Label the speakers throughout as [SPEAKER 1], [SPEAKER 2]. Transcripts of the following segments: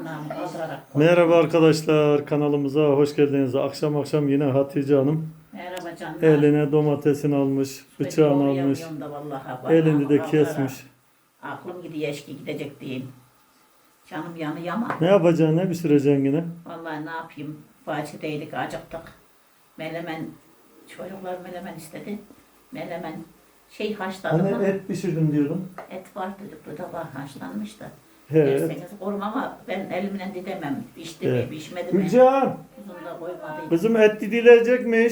[SPEAKER 1] Tırnağımı kaldırarak koydum.
[SPEAKER 2] Merhaba arkadaşlar, kanalımıza hoş geldiniz. Akşam yine Hatice Hanım
[SPEAKER 1] Merhaba canım.
[SPEAKER 2] eline domatesini almış, bıçağını almış,
[SPEAKER 1] Da vallahi
[SPEAKER 2] elini de
[SPEAKER 1] kaldırarak.
[SPEAKER 2] kesmiş.
[SPEAKER 1] Aklım gidiyor eşki gidecek diyeyim. Canım yanıyor ama.
[SPEAKER 2] Ne yapacaksın, ne pişireceksin yine?
[SPEAKER 1] Vallahi ne yapayım. Bahçedeydik acıktık. Melemen, çocuklar melemen istedi. Melemen haşladım
[SPEAKER 2] Hani
[SPEAKER 1] ama
[SPEAKER 2] et pişirdim diyordun.
[SPEAKER 1] et var dedik. Bu da var haşlanmış da.
[SPEAKER 2] He.
[SPEAKER 1] Derseniz korum ama ben elimle didemem. Pişti mi
[SPEAKER 2] Evet.
[SPEAKER 1] pişmedi mi?
[SPEAKER 2] Gülcan,
[SPEAKER 1] Uzun da koymadım.
[SPEAKER 2] kızım et didilecekmiş.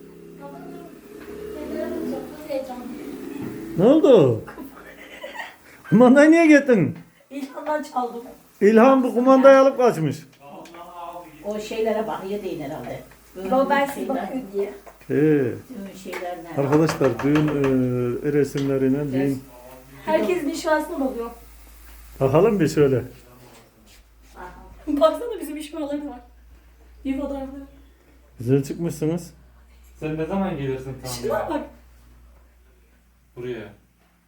[SPEAKER 2] Ne oldu? Kumandayı niye getirdin?
[SPEAKER 3] İlhan'dan çaldım.
[SPEAKER 2] İlhan bu kumandayı alıp kaçmış.
[SPEAKER 1] O şeylere bakıyor değil herhalde.
[SPEAKER 3] Baba ben size bakıyorum diye.
[SPEAKER 2] He.
[SPEAKER 1] Düğün şeyler ne?
[SPEAKER 2] Arkadaşlar düğün resimlerine düğün.
[SPEAKER 3] Herkesin işvasına bakıyor.
[SPEAKER 2] Bakalım bir şöyle.
[SPEAKER 3] Baksana bizim işvaları var. Bir fotoğrafları.
[SPEAKER 2] Güzel çıkmışsınız.
[SPEAKER 4] Sen ne zaman gelirsin tam
[SPEAKER 3] Şuna
[SPEAKER 4] ya?
[SPEAKER 3] bak.
[SPEAKER 4] Buraya.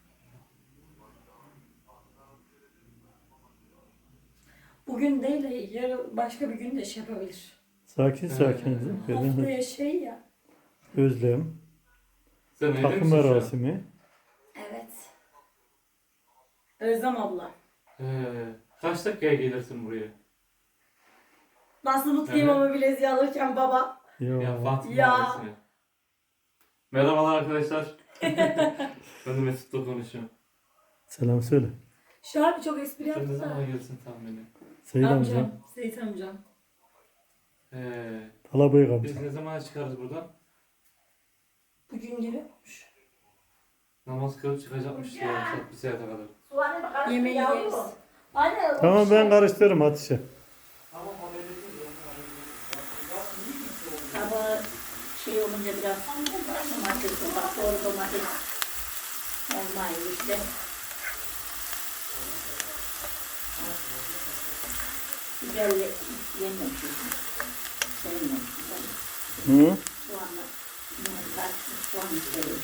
[SPEAKER 3] Bugün değil de yarın başka bir gün de şey yapabilir.
[SPEAKER 2] Sakin sakin.
[SPEAKER 3] Haftaya şey ya.
[SPEAKER 2] Özlem.
[SPEAKER 4] Sen evde
[SPEAKER 2] Takım
[SPEAKER 4] misin şu an?
[SPEAKER 2] merasimi.
[SPEAKER 3] Evet. Özlem abla.
[SPEAKER 4] Kaç dakikaya gelirsin buraya?
[SPEAKER 3] Nasıl mutluyum
[SPEAKER 4] Evet.
[SPEAKER 3] ama bileziği alırken baba.
[SPEAKER 4] Ya Fatih
[SPEAKER 3] Ya.
[SPEAKER 4] Mahallesi'ne. Merhabalar arkadaşlar. Ben de Mesut'la konuşuyorum.
[SPEAKER 2] Selam söyle.
[SPEAKER 3] Şu an çok espri
[SPEAKER 4] Sen ne
[SPEAKER 3] yaptı
[SPEAKER 4] zaman
[SPEAKER 3] da.
[SPEAKER 4] gelirsin tam beni?
[SPEAKER 2] Seyit
[SPEAKER 3] Amcam.
[SPEAKER 2] amcam.
[SPEAKER 3] Seyit amcam.
[SPEAKER 2] Talabıyık amca.
[SPEAKER 4] Biz ne zaman çıkarız buradan?
[SPEAKER 3] Bugün geliyormuş.
[SPEAKER 4] Namaz kılıp çıkacakmış ya. Saat bir saate kadar.
[SPEAKER 3] Yemeği yeriz. Anne.
[SPEAKER 2] Tamam ben karıştırırım Hatice.
[SPEAKER 1] Tabağı olunca biraz domates, bak doğru domates olmayı işte. Biberle yenmemiş. Sevmemiş.
[SPEAKER 2] Hı?
[SPEAKER 1] Soğanla yumurta, soğan istedim.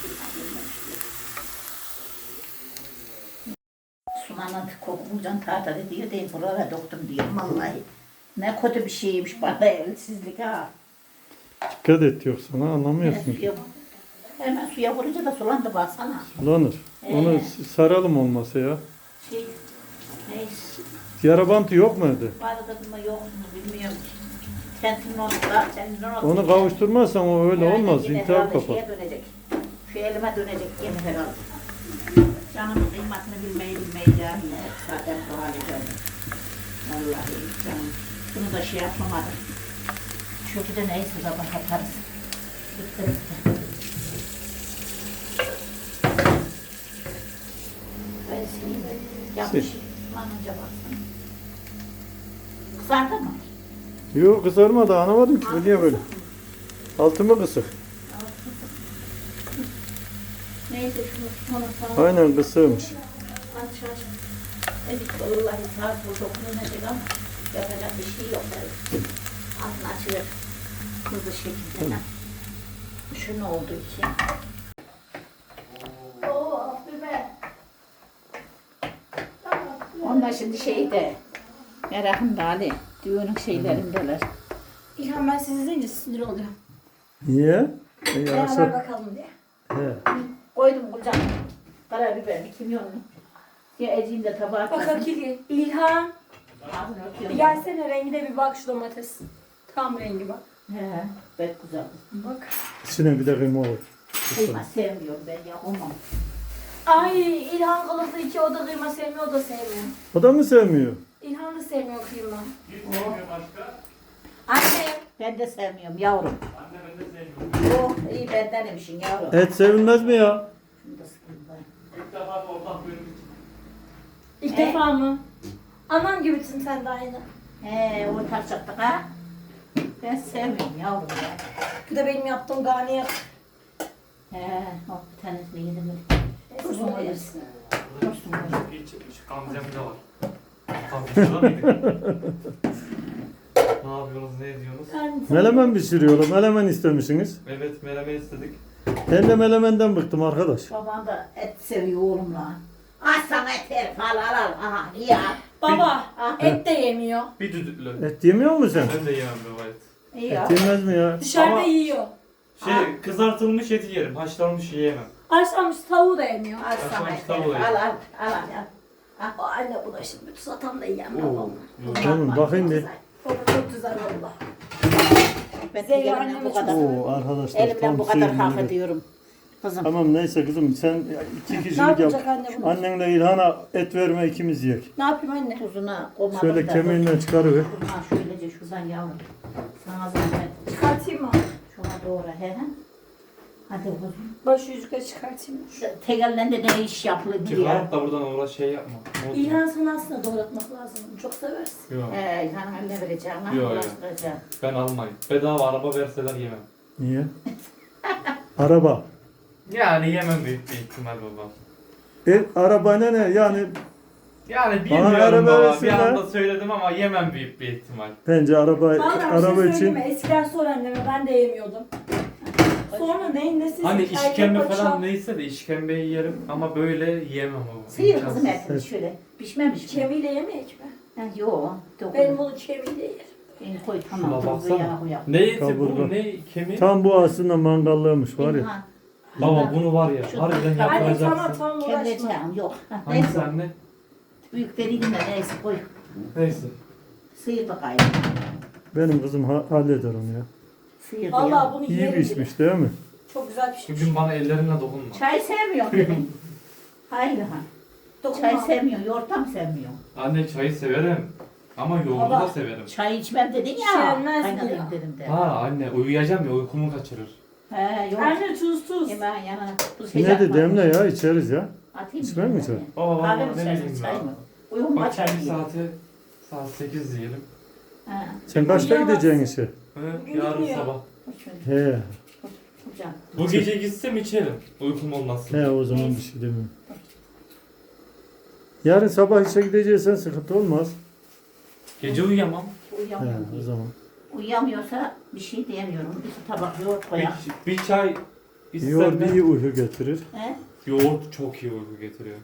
[SPEAKER 1] Soğanla kokulacaksın tahtada diyor. Değil buralara doktum diyor. Vallahi ne kötü bir şeymiş bana evsizlik ha.
[SPEAKER 2] Dikkat et yoksa anlamıyorsun ki.
[SPEAKER 1] Hemen suya vurunca da sulandı baksana.
[SPEAKER 2] Sulanır. Onu saralım olmasa ya.
[SPEAKER 1] Neyse.
[SPEAKER 2] Yara bantı yok mu evde?
[SPEAKER 1] Vardı mı yok mu bilmiyorum. Tentin
[SPEAKER 2] Onu kavuşturmazsan o öyle olmaz. İntihar kapar.
[SPEAKER 1] Şeye dönecek. Şu elime dönecek yine herhalde. Canımın kıymetini bilmeyi cahil. Zaten bu hale geldim. Vallahi canım. Bunu da yapamadım. Çünkü de neyse sabah yaparız. Bitti. Ben sileyim de. Yanlış. Anınca baksana. Kızardı mı?
[SPEAKER 2] Yok kızarmadı anlamadım ki. Niye böyle? Altımı kısık.
[SPEAKER 1] Neyse şunu sağ
[SPEAKER 2] Aynen kısığmış.
[SPEAKER 1] aç. Edik vallahi saat bu dokunulacak ama yapacak bir şey yok. Altını açılır. Hızlı şekilde. Şu ne oldu ki? Onlar şimdi şeyde, merakımda Ali, düğünün şeylerindeler.
[SPEAKER 3] İlhan ben sizi izleyince sinir oluyorum.
[SPEAKER 2] Niye?
[SPEAKER 3] Beraber bakalım diye.
[SPEAKER 2] He.
[SPEAKER 1] Koydum kucağına, karabiber, kimyonlu. Ya Ece'nin de tabağı
[SPEAKER 3] Bak Hakiki. İlhan.
[SPEAKER 1] Ağzını
[SPEAKER 3] Bir
[SPEAKER 1] örtüyorum.
[SPEAKER 3] gelsene rengine bir bak şu domates. Tam rengi bak.
[SPEAKER 1] He, pek güzel.
[SPEAKER 3] Bak.
[SPEAKER 2] İçine bir de kıyma olur.
[SPEAKER 1] Kıyma sevmiyorum ben ya, olmam.
[SPEAKER 3] Ay İlhan kalıplı iki o da kıyma sevmiyor o da sevmiyor.
[SPEAKER 2] O da mı sevmiyor?
[SPEAKER 3] İlhan da sevmiyor kıyma.
[SPEAKER 1] Anne, ben de sevmiyorum yavrum.
[SPEAKER 4] Anne ben de sevmiyorum.
[SPEAKER 1] Oh, iyi bendenemişsin yavrum.
[SPEAKER 2] Et sevilmez mi ya?
[SPEAKER 1] Şunu da sıkayım ben.
[SPEAKER 4] İlk defa da ortak bölüm için.
[SPEAKER 3] İlk defa mı? Anam gibisin sen de aynı.
[SPEAKER 1] He, ortak ha? Ben sevmiyorum yavrum ya.
[SPEAKER 3] Bu da benim yaptığım garniyat.
[SPEAKER 1] He, oh bir tanesini yedim.
[SPEAKER 3] Neyse
[SPEAKER 1] Uzun
[SPEAKER 3] sonra
[SPEAKER 1] olur.
[SPEAKER 3] yersin.
[SPEAKER 1] Dursun böyle.
[SPEAKER 4] İyi çıkmış. Gamzem de var. Gamzem'de miydik? Ne yapıyorsunuz, ne ediyorsunuz?
[SPEAKER 2] Melemen pişiriyorlar. Melemen istemişsiniz.
[SPEAKER 4] Evet, meleme istedik.
[SPEAKER 2] Ben de melemenden bıktım arkadaş.
[SPEAKER 1] Babam da et seviyor oğlumla. Az sana et al al al. Aha iyi al.
[SPEAKER 3] Baba
[SPEAKER 1] Ah.
[SPEAKER 3] et de yemiyor.
[SPEAKER 4] Bir düdüklü.
[SPEAKER 2] Et yemiyor musun sen?
[SPEAKER 4] Ben de yemem baba et.
[SPEAKER 1] İyi al.
[SPEAKER 2] Et yemez mi ya?
[SPEAKER 3] Dışarıda
[SPEAKER 4] Ama-
[SPEAKER 3] yiyor.
[SPEAKER 4] Kızartılmış eti yerim. Haşlanmış yiyemem.
[SPEAKER 3] Haşlanmış tavuğu da yemiyor.
[SPEAKER 1] Al sana et.
[SPEAKER 4] Başka bir
[SPEAKER 1] Al al al al.
[SPEAKER 3] Aa, anne bu da şimdi tuzatam da yiyemem
[SPEAKER 4] Oo.
[SPEAKER 3] baba.
[SPEAKER 2] Oğlum bakayım bir.
[SPEAKER 3] Baba çok güzel valla.
[SPEAKER 1] Ben
[SPEAKER 3] Zeyra
[SPEAKER 1] elimden
[SPEAKER 3] anneme
[SPEAKER 1] bu kadar.
[SPEAKER 2] Oo arkadaşlar
[SPEAKER 1] Elimden
[SPEAKER 2] tam
[SPEAKER 1] bu kadar
[SPEAKER 2] suyunu
[SPEAKER 1] hak
[SPEAKER 2] yedik.
[SPEAKER 1] ediyorum. Kızım.
[SPEAKER 2] Tamam neyse kızım sen 2
[SPEAKER 3] Ne
[SPEAKER 2] kişilik yap.
[SPEAKER 3] yapacak anne bunu?
[SPEAKER 2] Annenle İlhan'a et verme ikimiz yiyek.
[SPEAKER 3] Ne yapayım anne?
[SPEAKER 1] Tuzuna koymadım
[SPEAKER 2] Şöyle
[SPEAKER 1] da.
[SPEAKER 2] kemiğinden çıkarıver.
[SPEAKER 1] Ha şöylece şuradan yavrum. Sana zahmet.
[SPEAKER 3] Çıkartayım mı?
[SPEAKER 1] Şuna doğru he he. Hadi kuzum.
[SPEAKER 3] Baş yüzüğü çıkartayım mı?
[SPEAKER 1] Tek elden de ne iş yapılır ya.
[SPEAKER 4] Çıkarıp da buradan uğraş şey yapma. Ne oldu?
[SPEAKER 3] İlhan sana aslında doğratmak lazım. Çok seversin.
[SPEAKER 4] Yok.
[SPEAKER 1] İlhan haline vereceğim. Ha,
[SPEAKER 4] Yok, yok.
[SPEAKER 1] uğraştıracağım.
[SPEAKER 4] Ben almayayım. Bedava araba verseler yemem.
[SPEAKER 2] Niye? Araba.
[SPEAKER 4] Yani yemem büyük bir ihtimal baba.
[SPEAKER 2] Arabana ne yani
[SPEAKER 4] Yani
[SPEAKER 2] Bana
[SPEAKER 4] bilmiyorum
[SPEAKER 2] araba
[SPEAKER 4] baba. Bir
[SPEAKER 2] versinler.
[SPEAKER 4] anda söyledim ama yemem büyük bir ihtimal.
[SPEAKER 2] bence araba
[SPEAKER 3] Vallahi bir şey
[SPEAKER 2] için
[SPEAKER 3] söyleyeyim mi? Eskiden sor anneme ben de yemiyordum. Sonra neyin nesi?
[SPEAKER 4] Hani
[SPEAKER 3] erkek
[SPEAKER 4] işkembe
[SPEAKER 3] paça.
[SPEAKER 4] falan neyse de işkembeyi yerim ama böyle yiyemem baba.
[SPEAKER 1] Sıyır
[SPEAKER 4] İmkansız.
[SPEAKER 1] kızım etini şöyle. Pişmemiş mi?
[SPEAKER 3] Çeviyle yemeyek mi?
[SPEAKER 1] Ha, yok.
[SPEAKER 3] Ben bunu çeviyle yerim.
[SPEAKER 1] Beni koy
[SPEAKER 4] Şuna
[SPEAKER 1] tamam. Tuzu
[SPEAKER 4] baksana.
[SPEAKER 1] yana koyalım.
[SPEAKER 4] Ne eti
[SPEAKER 2] Kaburga.
[SPEAKER 4] bu? Ne kemiği?
[SPEAKER 2] tam bu aslında mangallığımış var ya.
[SPEAKER 1] İlhan,
[SPEAKER 4] Baba bunu var ya.
[SPEAKER 1] Şu-
[SPEAKER 4] Harbiden
[SPEAKER 1] Anne,
[SPEAKER 3] Anne
[SPEAKER 4] yapacaksın.
[SPEAKER 3] tamam uğraşma.
[SPEAKER 1] Kemireceğim yok. Ha,
[SPEAKER 4] Hangisi
[SPEAKER 1] neyse.
[SPEAKER 4] anne?
[SPEAKER 1] Büyük veriydim de neyse koy.
[SPEAKER 4] Neyse.
[SPEAKER 1] Sıyır bakayım.
[SPEAKER 2] Benim kızım halleder onu ya.
[SPEAKER 1] Sıyır
[SPEAKER 3] Vallahi
[SPEAKER 1] diyor.
[SPEAKER 3] bunu
[SPEAKER 2] İyi
[SPEAKER 3] yerim.
[SPEAKER 2] pişmiş değil mi?
[SPEAKER 3] Çok güzel pişmiş.
[SPEAKER 4] Bugün bana ellerinle dokunma.
[SPEAKER 1] Çay sevmiyor benim. Hayır ha.
[SPEAKER 3] Dokunma.
[SPEAKER 1] Çay sevmiyor. Yoğurtam sevmiyor.
[SPEAKER 4] Anne çayı severim. Ama yoğurdu
[SPEAKER 3] Baba.
[SPEAKER 4] da severim.
[SPEAKER 1] Çay içmem dedin ya.
[SPEAKER 3] İçilmez
[SPEAKER 1] Kaynatayım
[SPEAKER 3] ya.
[SPEAKER 1] dedim de.
[SPEAKER 4] Ha anne uyuyacağım ya uykumu kaçırır.
[SPEAKER 1] He yok.
[SPEAKER 3] Anne tuz.
[SPEAKER 1] Hemen yanına tuz
[SPEAKER 2] Yine de demle ya içeriz ya.
[SPEAKER 1] Atayım
[SPEAKER 2] İçmem mi çay?
[SPEAKER 4] Baba
[SPEAKER 1] Kahve
[SPEAKER 4] baba
[SPEAKER 1] mi
[SPEAKER 4] ne
[SPEAKER 1] içersin
[SPEAKER 4] bileyim
[SPEAKER 1] çay
[SPEAKER 4] ya.
[SPEAKER 1] mı? Uyum
[SPEAKER 4] Bak
[SPEAKER 1] açar
[SPEAKER 4] şimdi
[SPEAKER 1] diye.
[SPEAKER 4] saat 8 diyelim.
[SPEAKER 1] Ha.
[SPEAKER 2] Sen kaçta
[SPEAKER 3] Uyuyamazsın.
[SPEAKER 2] gideceksin işe?
[SPEAKER 3] Bugün
[SPEAKER 4] Yarın
[SPEAKER 3] gitmiyor.
[SPEAKER 4] sabah.
[SPEAKER 1] Şöyle
[SPEAKER 2] He.
[SPEAKER 1] hocam.
[SPEAKER 4] Bu gece gitsem içerim. Uykum olmazsa.
[SPEAKER 2] He o zaman bir şey demiyorum. Yarın sabah işe gideceksen sıkıntı olmaz.
[SPEAKER 4] Gece uyuyamam.
[SPEAKER 2] He
[SPEAKER 1] Uyuyamıyor.
[SPEAKER 2] o zaman.
[SPEAKER 1] Uyuyamıyorsa bir şey diyemiyorum. İki tabak yoğurt koyar.
[SPEAKER 4] Bir çay
[SPEAKER 2] Yoğurt
[SPEAKER 4] içsem de
[SPEAKER 2] iyi uyku getirir.
[SPEAKER 1] He?
[SPEAKER 4] yoğurt çok iyi uyku getiriyor.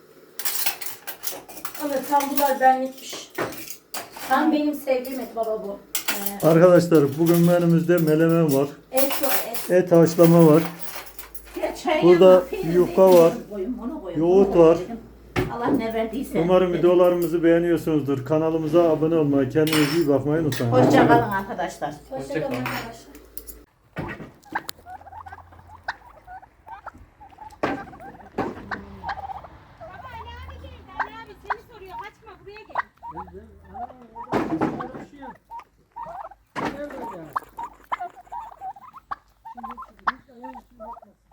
[SPEAKER 3] Evet tam bunlar benlikmiş. Tam benim sevdiğim et baba bu.
[SPEAKER 2] Arkadaşlar bugün menümüzde melemen var.
[SPEAKER 3] Et var et.
[SPEAKER 2] Et haşlama var.
[SPEAKER 1] Ya çay
[SPEAKER 2] Burada
[SPEAKER 1] yanına peynir,
[SPEAKER 2] yufka
[SPEAKER 1] zeytin
[SPEAKER 2] var.
[SPEAKER 1] koyun, bunu koyun,
[SPEAKER 2] Yoğurt
[SPEAKER 1] bunu koyun
[SPEAKER 2] var.
[SPEAKER 1] dedim. Allah ne verdiyse.
[SPEAKER 2] Umarım
[SPEAKER 1] dedim.
[SPEAKER 2] videolarımızı beğeniyorsunuzdur. Kanalımıza abone olmayı, kendinize iyi bakmayı unutmayın.
[SPEAKER 1] Hoşça kalın arkadaşlar.
[SPEAKER 3] Hoşçakalın
[SPEAKER 4] Hoşça kalın.
[SPEAKER 3] arkadaşlar.
[SPEAKER 2] Şimdi